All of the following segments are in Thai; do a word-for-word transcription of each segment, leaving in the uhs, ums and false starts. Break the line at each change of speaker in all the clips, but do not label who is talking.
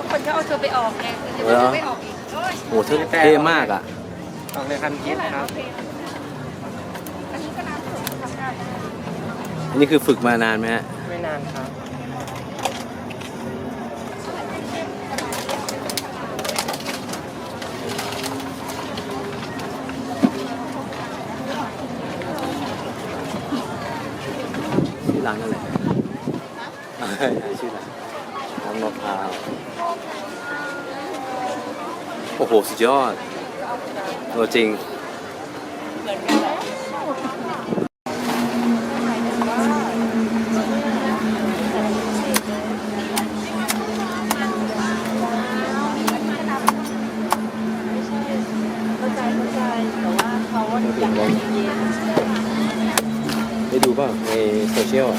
คนเขาเอาเธอไปออกไงเธอไปออกอีก
โอ้เท่มากอ่ะ
ออกในคันคิดครับ
อันนี้คือฝึกมานานไหมฮะ
ไม่นานครับ
ชื่อร้านอะไรชื่อร้านน้ำมะพร้าวโอ้โหสุดยอดตัวจริงได้ดูป่ะในโซเชียล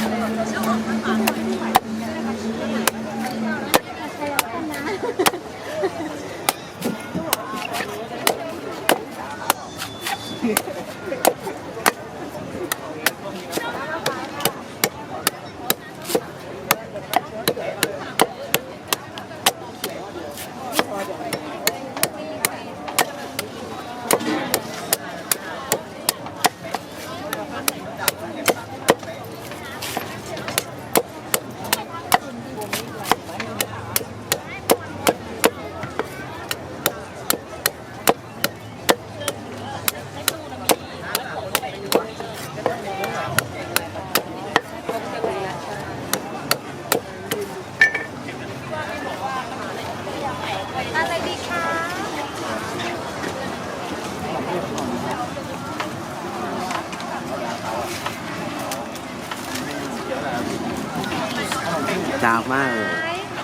จางมากเลย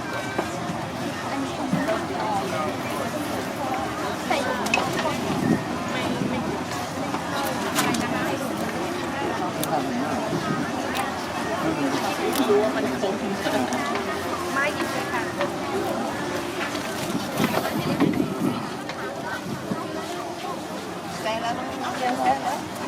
ไม่หยิบเลยค่ะแซงแล้วแซงแล้ว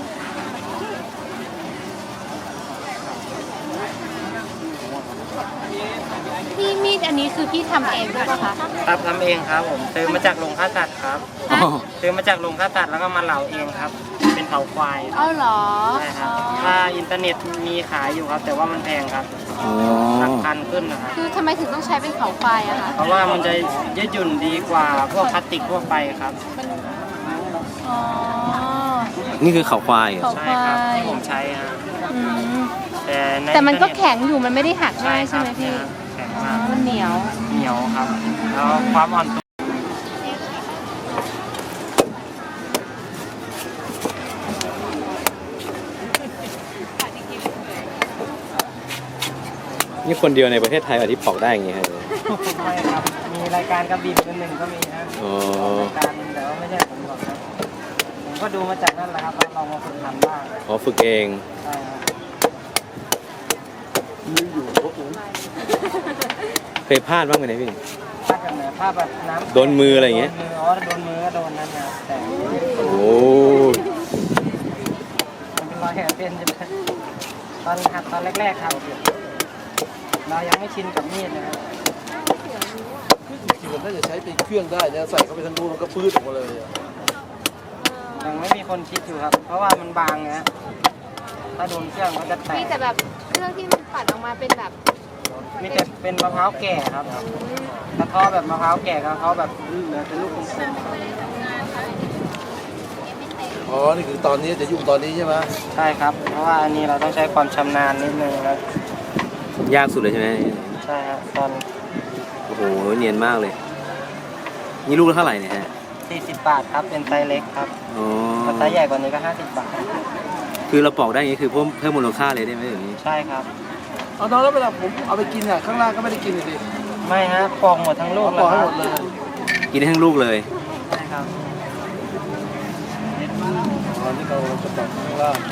พี่มีดอันนี้คือพี่ทำเองด้วยป่ะคะ
ครับทำเองครับผมซื้อมาจากโรงฆ่าสัตว์ครับซื้อมาจากโรงฆ่าสัตว์แล้วก็มาเหลาเองครับเป็นเผาควาย
อ้าวเหรอ
ใช่ครับถ้าอินเทอร์เน็ตมีขายอยู่ครับแต่ว่ามันแพงครับหลักพันขึ้นนะครับ
คือทำไมถึงต้องใช้เป็นเผาควายอะคะ
เพราะว่ามันจะยืดหยุ่นดีกว่าพวกพลาสติกทั่วไปครับ
อ๋อ
นี่คือเขาควาย
ใช่ครับที่ผมใช้ฮะ
แต่แต่มันก็แข็งอยู่มันไม่ได้หักง่ายใช่ไหมพี่
แข็งมาก
มันเหนียว
เหนียวครับแล้วความอ่อนตัว
นี่คนเดียวในประเทศไทยที่ปอกได้อย่างงี้ครับ
ไม่ครับมีรายการกระบี่เป็นหนึ่งก็มีนะรายการแต่ว่าไม่ใช่ผมหรอกครับผมก็ดูมาจากนั่นแหละครับแล้วลองมาฝึกทำบ้าง
อ๋อฝึกเอง
ใช่ครับ
มืออยู่พวกผมเคยพลาดบ้างไหมเนี่ยพี่
พลาดแบบไหนพลาดแบบน้ำ
โดนมืออะไรอย่างเงี้ย
อ๋อโดนมือก็โดนนั่นนะแต่
โอ้
มันเป็นรอยแผลเป็นใช่ไหมตอนหัดตอนแรกๆครับเรายังไม่ชินกับมีดนะครับ
จริงๆมันน่าจะใช้เป็นเครื่องได้นะใส่เข้าไปทั้งรูมันก็ปื้ดออกมาเลย
ยังไม่มีคนคิดอยู่ครับเพราะว่ามันบางนะถ้าโดนเครื่องมันจะแตก
มีแต่แบบเครื่องที่มันปัดออกมาเป็นแบบ
มีแต่เป็นมะพร้าวแก่ครับกระเทาะแบบมะพร้าวแก่กระเทาะแบบเหลือเป็นลูกกลม
อ๋อนี่คือตอนนี้จะยุ่งตอนนี้ใช่ไหม
ใช่ครับเพราะว่าอันนี้เราต้องใช้ความชำนาญนิดนึงครับ
ยากสุดเลยใช่ไหม
ใช่ครับตอน
โอ้โหเนียนมากเลยนี่ลูกละเท่าไหร่เนี่ยฮะ
สี่สิบบาทครับเป็นไซส์เล็กครับอ๋อไซส์ใหญ่กว่านี้ก็ห้าสิบบาท
คือเราปอกได้อย่างนี้คือเพิ่มเพิ่มมูลค่าเลยได้ไหมอย่างนี้
ใช่ครับ
เอาตอนแล้วเวลาผมเอาไปกินอ่ะข้างล่างก็ไม่ได้กินเลย
ไม่ฮะปอกหมดทั้งลูก
ปอกหมดเลย
กินได้ทั้งลูกเลย
ใช่ครับ
ตอนนี้เราจะปอกข้างล่าง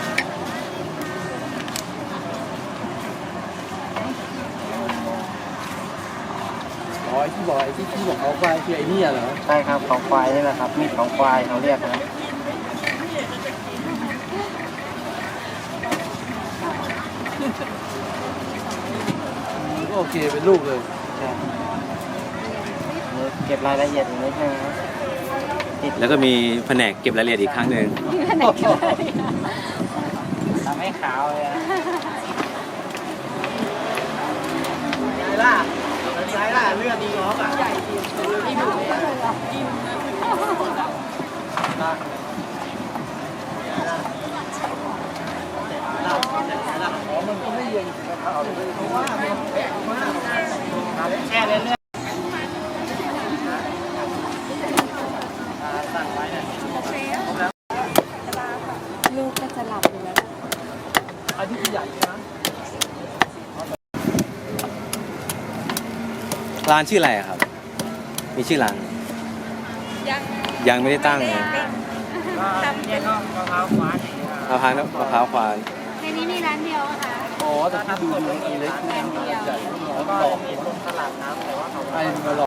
อ๋อไอ้ที่บอกไอ้ที่ที่บอกเขาควายคือไอ้นี่เหรอ
ใช่ครับเขาควายนี่แหละครับมีดของควายเขาเรียกนะ
ก็โอเคเป็นลูกเลย
เก็บรายละเอียดอีกนิดนึงครับ
แล้วก็มีแผนกเก็บรายละเอียดอีกครั้งหนึ่ง
มีแผนกเก็บรายละเอียด
ทำให้ขาวเลยนะยายล่ะยายล่ะเลือดดีง้อป่ะใหญ่ดีที่ดูเลยมันก็ไม่เย็นนะครับเพราะว่าแช่เรื่อยๆสั่งไว้เนี่ย
ลูกก็จะหลับอยู่แล้ว
อันนี้คือใหญ่นะ
ร้านชื่ออะไรอะครับ มีชื่อร้าน
ยัง
ยังไม่ได้ตั้งเลย
เนี่ยก็มะพร้าวหวานอย่างเงี้ย
มะพร้าวน้ำมะพร้าวควาน
ในนี้มีร้านเดียวอะค่ะ
อ๋อแต่ที่ดูดูมันเล็ก
ร้านเดียว
ใหญ่
แล้วก็
หลอก
มีตรงตลาดน้ำแต่ว่าเขา
ไอ้มันหลอก